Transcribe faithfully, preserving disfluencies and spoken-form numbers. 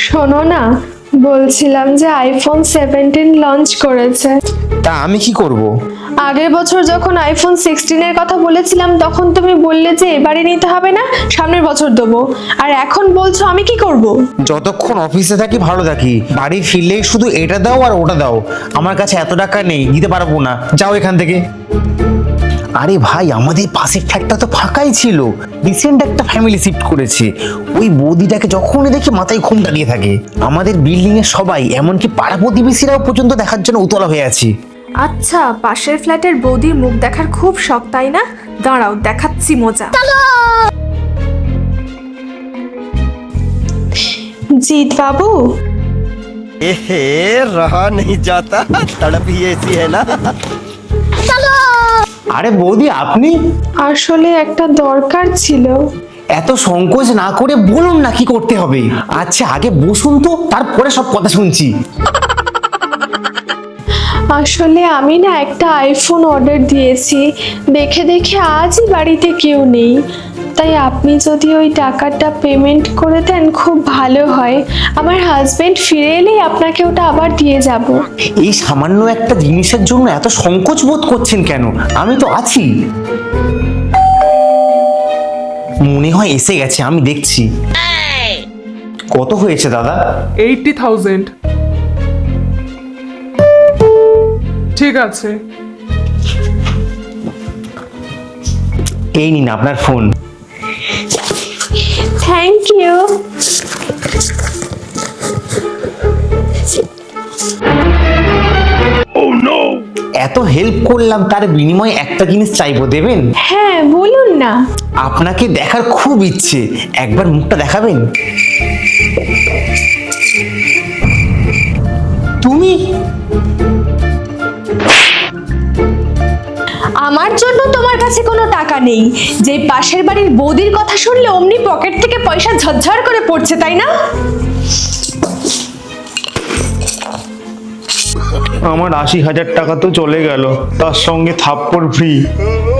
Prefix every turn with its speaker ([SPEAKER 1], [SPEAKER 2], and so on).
[SPEAKER 1] শোনো না, বলছিলাম যে আইফোন সেভেন্টিন লঞ্চ করেছে।
[SPEAKER 2] তা আমি কি করব?
[SPEAKER 1] আগের বছর যখন আইফোন সিক্সটিন এর কথা বলেছিলাম তখন তুমি বললে যে এবারে নিতে হবে না, সামনের বছর দেবো। আর এখন বলছো আমি কি করব?
[SPEAKER 2] যতক্ষণ অফিসে থাকি ভালো থাকি, বাড়ি ফিরলেই শুধু এটা দাও আর ওটা দাও। আমার কাছে এত টাকা নেই, দিতে পারবো না, যাও এখান থেকে। আরে ভাই, আমাদের পাশের ফ্ল্যাটটা তো ফাঁকাই ছিল, রিসেন্ট একটা ফ্যামিলি শিফট করেছে। ওই বৌদিটাকে যখনই দেখি মাথায় ঘুম দাঁড়িয়ে থাকে। আমাদের বিল্ডিং এর সবাই, এমনকি পাড়া প্রতিবেশীরাও পর্যন্ত দেখার জন্য উতলা হয়ে আছি।
[SPEAKER 1] আচ্ছা, পাশের ফ্ল্যাটের বৌদির মুখ দেখার খুব শখ তাই না? দাঁড়াও দেখাচ্ছি মজা। জিৎ বাবু,
[SPEAKER 3] एहे, रहा नहीं जाता, तड़प ही ऐसी है ना।
[SPEAKER 2] আরে বৌদি, আপনি?
[SPEAKER 1] আসলে একটা দরকার ছিল।
[SPEAKER 2] এত সংকোচ না করে বলুন না কি করতে হবে। আচ্ছা আগে বসুন তো, তারপরে সব কথা শুনছি।
[SPEAKER 1] আসলে আমি না একটা আইফোন অর্ডার দিয়েছি, দেখে দেখে আজই বাড়িতে কেউ নেই। তাই আপনি যদি ওই টাকাটা পেমেন্ট করে দেন খুব ভালো হয়। আমার হাজবেন্ড ফিরে এলেই আপনাকে ওটা আবার দিয়ে যাব।
[SPEAKER 2] এই সামান্য একটা জিনিসের জন্য এত সংকোচ বোধ করছেন কেন? আমি তো আছি। মনে হয় এসে গেছে, আমি দেখছি। কত হয়েছে দাদা?
[SPEAKER 4] Eighty thousand. ঠিক আছে,
[SPEAKER 2] এই নিন আপনার ফোন।
[SPEAKER 1] Thank you.
[SPEAKER 2] এত হেল্প করলাম, তার বিনিময়ে একটা জিনিস চাইবো, দেবেন?
[SPEAKER 1] হ্যাঁ বলুন না।
[SPEAKER 2] আপনাকে দেখার খুব ইচ্ছে, একবার মুখটা দেখাবেন? তুমি?
[SPEAKER 1] আমার জন্য তোমার কাছে কোনো টাকা নেই, যে পাশের বাড়ির বৌদির কথা শুনলে অমনি পকেট থেকে পয়সা ঝরঝর করে পড়ছে তাই না?
[SPEAKER 2] আমার আশি হাজার টাকা তো চলে গেল, তার সঙ্গে থাপ্পড় ফ্রি।